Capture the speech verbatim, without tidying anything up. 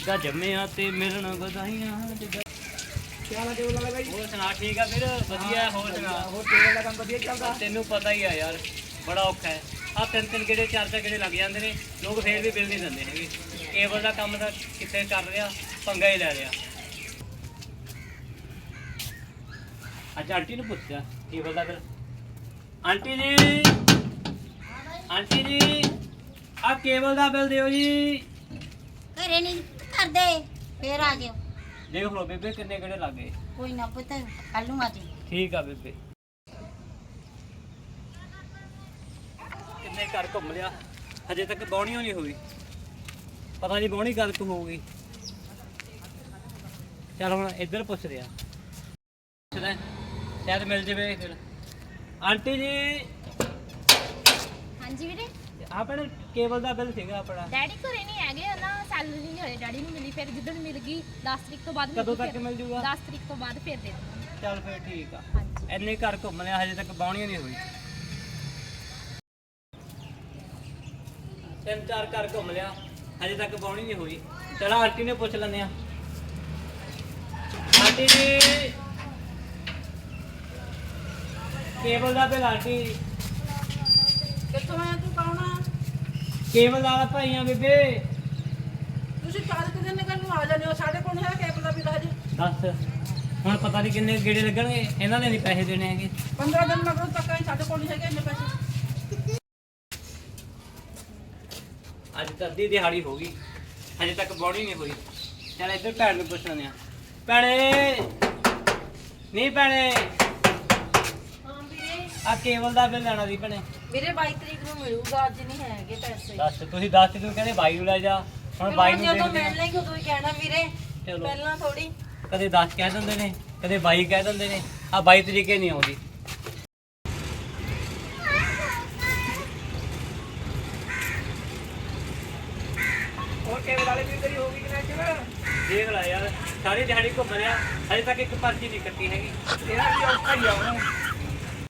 ਜਿੱਦਾਂ ਜੰਮੇ ਆ ਤੇ ਮਿਲਣ ਵਧਾਈਆਂ ਜਿੱਦਾਂ ਕਿਆ ਲਾ ਟੇਬਲ ਵਾਲਾ ਬਾਈ? ਹੋਰ ਸੁਣਾ ਠੀਕ ਆ ਫਿਰ ਵਧੀਆ ਹੋਰ ਸੁਣਾ ਹੋਰ ਟੇਬਲ ਦਾ ਕੰਮ ਵਧੀਆ ਚੱਲਦਾ? ਤੈਨੂੰ ਪਤਾ ਹੀ ਆ ਯਾਰ ਬੜਾ ਔਖਾ ਹੈ ਆ ਤਿੰਨ ਤਿੰਨ ਗੇੜੇ ਚਾਰ ਚਾਰ ਗੇੜੇ ਲੱਗ ਜਾਂਦੇ ਨੇ ਲੋਕ ਫੇਰ ਵੀ ਬਿੱਲ ਨਹੀਂ ਦਿੰਦੇ ਹੈਗੇ ਕੇਬਲ ਦਾ ਕੰਮ ਤਾਂ ਕਿੱਥੇ ਕਰ ਰਿਹਾ ਪੰਗਾ ਹੀ ਲੈ ਰਿਹਾ ਅੱਜ ਆਂਟੀ ਨੂੰ ਪੁੱਛਿਆ ਕੇਬਲ ਦਾ bill aunty ji aunty ji ਆ ਕੇਬਲ ਦਾ ਬਿੱਲ ਦਿਓ ਜੀ ਘਰੇ ਨਹੀਂ ਕਰਦੇ ਫੇਰ ਆ ਜਿਓ ਦੇਖ ਲਓ ਬੇਬੇ ਕਿੰਨੇ ਗੇੜੇ ਲੱਗ ਗਏ ਕੋਈ ਨਾ ਪੁੱਤ ਕੱਲ ਨੂੰ ਆ ਜੀ ਠੀਕ ਆ ਬੇਬੇ ਕਿੰਨੇ ਘਰ ਘੁੰਮ ਲਿਆ ਹਜੇ ਤੱਕ ਬੌਣੀਓ ਨਹੀਂ ਹੋਈ ਪਤਾ ਨਹੀਂ ਬੌਣੀ ਕਦ ਕੁ ਹੋਊਗੀ ਚੱਲ ਹੁਣ ਇੱਧਰ ਪੁੱਛ ਰਿਹਾ ਪੁੱਛਦਾ ਸ਼ਾਇਦ ਮਿਲ ਜਾਵੇ ਫਿਰ ਆਂਟੀ ਜੀ ਹਾਂਜੀ ਵੀਰੇ ਆਪਣਾ ਕੇਬਲ ਦਾ ਬਿੱਲ ਸੀਗਾ ਆਪਣਾ ਡੈਡੀ ਘਰੇ ਨਹੀਂ ਹੈਗੇ ਨਾ ਸੈਲਰੀ ਨਹੀਂ ਹੋਏ ਡੈਡੀ ਨੂੰ ਮਿਲੀ ਫਿਰ ਜਿੱਦਣ ਮਿਲ ਗਈ ਦਸ ਤਰੀਕ ਤੋਂ ਬਾਅਦ ਕਦੋਂ ਤੱਕ ਮਿਲ ਜੂਗਾ ਦਸ ਤਰੀਕ ਤੋਂ ਬਾਅਦ ਫਿਰ ਦੇ ਦੇਵਾਂਗੇ ਚੱਲ ਫਿਰ ਠੀਕ ਆ ਹਾਂਜੀ ਇੰਨੇ ਘਰ ਘੁੰਮ ਲਿਆ ਹਜੇ ਤੱਕ ਬੌਣੀ ਨਹੀਂ ਹੋਈ ਤਿੰਨ ਚਾਰ ਘਰ ਘੁੰਮ ਲਿਆ ਹਜੇ ਤੱਕ ਬੌਣੀ ਨਹੀਂ ਹੋਈ ਚਲ ਆਂਟੀ ਨੇ ਪੁੱਛ ਲੈਂਦੇ ਆ ਆਂਟੀ ਜੀ ਕੇਬਲ ਦਾ ਬਿੱਲ ਆਂਟੀ ਕਿੱਥੋਂ ਆਇਆ ਤੂੰ? ਕੌਣ ਆ? ਕੇਬਲ ਵਾਲਾ ਭਾਈ ਆ ਬੇਬੇ ਤੁਸੀਂ ਚਾਰ ਕੁ ਦਿਨ ਨਿਕਲ ਨੂੰ ਆ ਜਾਂਦੇ ਹੋ, ਸਾਡੇ ਕੋਲ ਨਹੀਂ ਹੈ ਕੇਬਲ ਦਾ ਵੀ ਤਾਂ ਹਜੇ ਦੱਸ ਹੁਣ ਪਤਾ ਨਹੀਂ ਕਿੰਨੇ ਗੇੜੇ ਲੱਗਣਗੇ ਇਹਨਾਂ ਦੇ ਨਹੀਂ ਪੈਸੇ ਦੇਣੇ ਹੈਗੇ ਪੰਦਰਾਂ ਦਿਨ ਮਗਰੋਂ ਤੱਕ ਆਏ, ਸਾਡੇ ਕੋਲ ਨਹੀਂ ਹੈਗੇ ਇੰਨੇ ਪੈਸੇ। ਅੱਜ ਤਾਂ ਅੱਧੀ ਦਿਹਾੜੀ ਹੋ ਗਈ ਹਜੇ ਤੱਕ ਬੌਣੀ ਨਹੀਂ ਹੋਈ ਚੱਲ ਇੱਧਰ ਭੈਣ ਨੂੰ ਪੁੱਛ ਲੈਂਦੇ ਆ ਭੈਣੇ ਨਹੀਂ ਭੈਣੇ ਹਾਂ ਵੀਰੇ ਆ ਕੇਬਲ ਦਾ ਬਿੱਲ ਲੈਣਾ ਸੀ ਭੈਣੇ ਵੀਰੇ ਬਾਈ ਤਰੀਕ ਨੂੰ ਮਿਲੂਗਾ, ਅੱਜ ਨਹੀਂ ਹੈਗੇ ਪੈਸੇ। ਦੱਸ ਤੁਸੀਂ ਦੱਸ ਤੂੰ ਕਹਿੰਦੇ ਬਾਈ ਨੂੰ ਲੈ ਜਾ ਹੁਣ ਬਾਈ ਨੂੰ ਜਦੋਂ ਦੇਖਦੇ ਮਿਲਣਾ ਹੀ ਉਦੋਂ ਹੀ ਕਹਿਣਾ ਵੀਰੇ, ਚਲੋ ਪਹਿਲਾਂ ਥੋੜੀ। ਕਦੇ ਦਸ ਕਹਿ ਦਿੰਦੇ ਨੇ ਕਦੇ ਬਾਈ ਕਹਿ ਦਿੰਦੇ ਨੇ ਆ ਬਾਈ ਤਰੀਕੇ ਨਹੀਂ ਆਉਂਦੀ ਹੋਰ ਕੇਬਲ ਵਾਲੇ ਵੀ ਤੇਰੀ ਹੋ ਗਈ ਕਨੈਕਸ਼ਨ? ਦੇਖ ਲੈ ਯਾਰ ਸਾਰੀ ਦਿਹਾੜੀ ਘੁੰਮ ਲਿਆ ਹਜੇ ਤੱਕ ਇੱਕ ਪਰਚੀ ਨਹੀਂ ਕੱਟੀ ਹੈਗੀ ਇਹਦਾ ਵੀ ਔਖਾ ਹੀ ਆ ਹੁਣ।